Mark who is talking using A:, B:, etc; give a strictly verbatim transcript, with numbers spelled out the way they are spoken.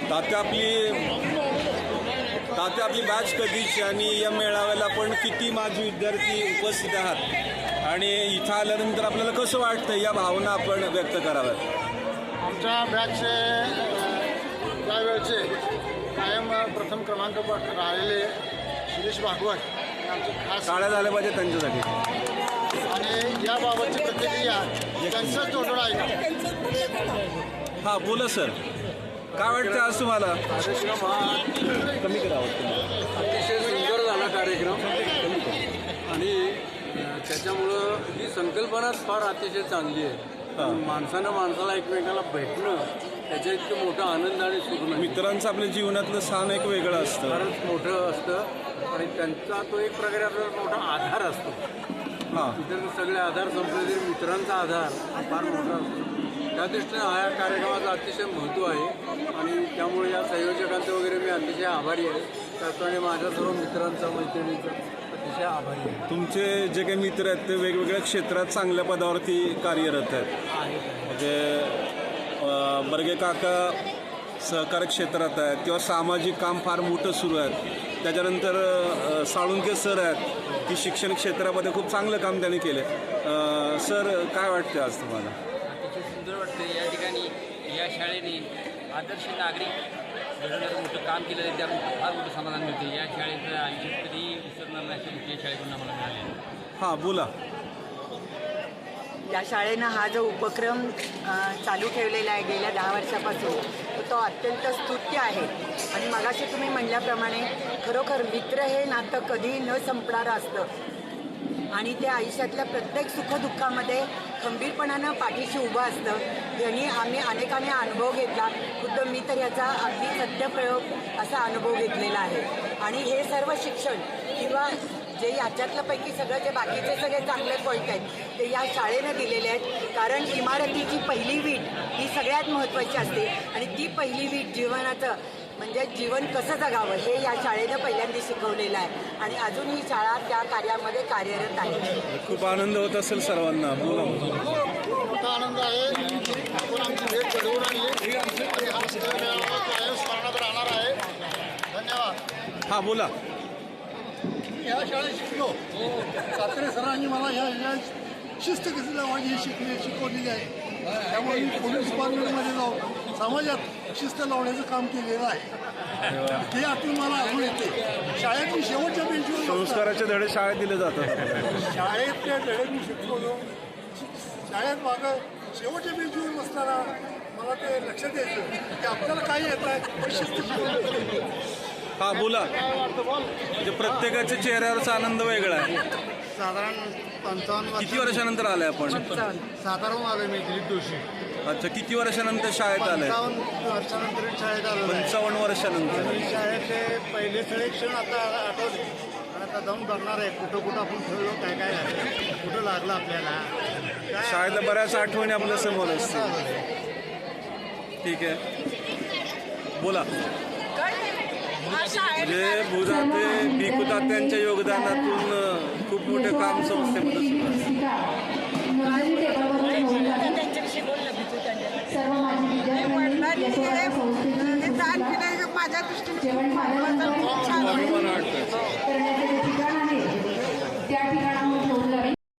A: तात्या आपली तात्या आपली बॅच कधीची आणि या मेळाव्याला पण किती माजी विद्यार्थी उपस्थित आहात आणि इथं आल्यानंतर आपल्याला कसं वाटतं या भावना आपण व्यक्त कराव्यात?
B: आमच्या बॅचचे त्यावेळचे कायम प्रथम क्रमांक राहिलेले शिरीष भागवत आमचे खास
A: टाळ्या झाल्या पाहिजे त्यांच्यासाठी.
B: आणि याबाबतची प्रतिक्रिया त्यांचंच जोडून आहे.
A: हां बोला सर, काय वाटतं आज तुम्हाला?
C: कार्यक्रम हा
A: कमी करावं
C: अतिशय सुंदर झाला कार्यक्रम आणि त्याच्यामुळं ही संकल्पनाच फार अतिशय चांगली आहे. माणसानं माणसाला एकमेकाला भेटणं त्याच्या इतकं मोठं आनंद आणि सुख नाही.
A: मित्रांचं आपल्या जीवनातलं स्थान एक वेगळं असतं,
C: फारच मोठं असतं आणि त्यांचा तो एक प्रकारे आपल्याला मोठा आधार असतो.
A: हां
C: इतर सगळे आधार संपले तरी मित्रांचा आधार हा फार मोठा असतो. त्या दृष्टीनं हा कार्यक्रमाचं अतिशय महत्त्व आहे आणि त्यामुळे या संयोजकांचं वगैरे मी अतिशय आभारी आहे. त्याचप्रमाणे माझ्या सर्व मित्रांचा मैत्रिणींचा अतिशय आभारी आहे.
A: तुमचे जे काही मित्र आहेत ते वेगवेगळ्या क्षेत्रात चांगल्या पदावरती कार्यरत आहेत. म्हणजे बर्गे काका सहकार क्षेत्रात आहेत किंवा सामाजिक काम फार मोठं सुरू आहे. त्याच्यानंतर साळुंके सर आहेत की शिक्षण क्षेत्रामध्ये खूप चांगलं काम त्यांनी केलं. सर काय वाटतं आज तुम्हाला?
D: अतिशय सुंदर वाटतं. या ठिकाणी या शाळेने आदर्श नागरिक घडवण्याचं मोठं काम केलं आहे. त्यामुळे फार मोठं समाधान मिळते. या शाळेचं आयुष्यात कधीही विसरणार नाही या शाळेकडून आम्हाला मिळाले.
A: हां बोला.
E: या शाळेनं हा जो उपक्रम चालू ठेवलेला आहे गेल्या दहा वर्षापासून तो अत्यंत स्तुत्य आहे. आणि मगाशी तुम्ही म्हणल्याप्रमाणे खरोखर मित्र हे नातं कधीही न संपणारं असतं आणि ते आयुष्यातल्या प्रत्येक सुखदुःखामध्ये खंबीरपणानं पाठीशी उभं असतं. यांनी आम्ही अनेकाने अनुभव घेतला. खुद्द मी तर याचा अगदी सत्यप्रयोग असा अनुभव घेतलेला आहे. आणि हे सर्व शिक्षण किंवा जे याच्यातलं पैकी सगळं जे बाकीचे सगळे चांगले पॉईंट आहेत ते या शाळेनं दिलेले आहेत. कारण इमारतीची पहिली वीट ही सगळ्यात महत्त्वाची असते आणि ती पहिली वीट जीवनाचं म्हणजे जीवन कसं जगावं हे या शाळेनं पहिल्यांदा शिकवलेलं आहे आणि अजून ही शाळा त्या कार्यामध्ये कार्यरत आहे.
A: खूप आनंद होत असेल सर्वांना. बोला.
B: मोठा आनंद आहे. आपण आमची भेट घडवून आणली आणि हा मेळावा कायम स्मरणात राहणार आहे. धन्यवाद.
A: हां बोला.
F: ह्या शाळेत शिकलो. सात्रे सरांनी मला ह्या शाळेत शिस्त कशी लावायची ही शिकली शिकवलेली आहे. त्यामुळे मी पोलीस डिपार्टमेंटमध्ये जाऊन समाजात शिस्त लावण्याचं काम केलेलं आहे. हे आतून मला आठवण येते. शाळेत मी शेवटच्या बेंचवर
A: संस्काराचे धडे शाळेत दिले जातात.
F: शाळेतले धडे मी शिकवलो. शाळेत मागं शेवटच्या बेंचवर बसताना मला ते लक्षात यायचं की आपल्याला काय येत आहे शिस्त शिकवली.
A: हां बोला. म्हणजे प्रत्येकाच्या चेहऱ्यावरचा आनंद वेगळा आहे.
B: साधारण पंचावन्न
A: किती वर्षानंतर आले आपण?
B: साधारण आलो मी दिलीप जोशी.
A: अच्छा, किती वर्षानंतर शाळेत आले?
B: पंचावन्न वर्षानंतर शाळेत आलो.
A: पंचावन्न वर्षानंतर.
B: शाळेतले पहिले सगळे क्षण आता आठवले आणि आता जाऊन बघणार आहे कुठं कुठं आपण खेळलो काय काय झालं कुठं लागलं आपल्याला.
A: शाळेतल्या बऱ्याच आठवणी आपल्या समोर असतील. ठीक आहे बोला. म्हणजे भुजाते भिकू तात्यांच्या योगदानातून खूप मोठे काम संस्थेमध्ये सुरू
E: माझ्या दृष्टीने
A: वाटतं.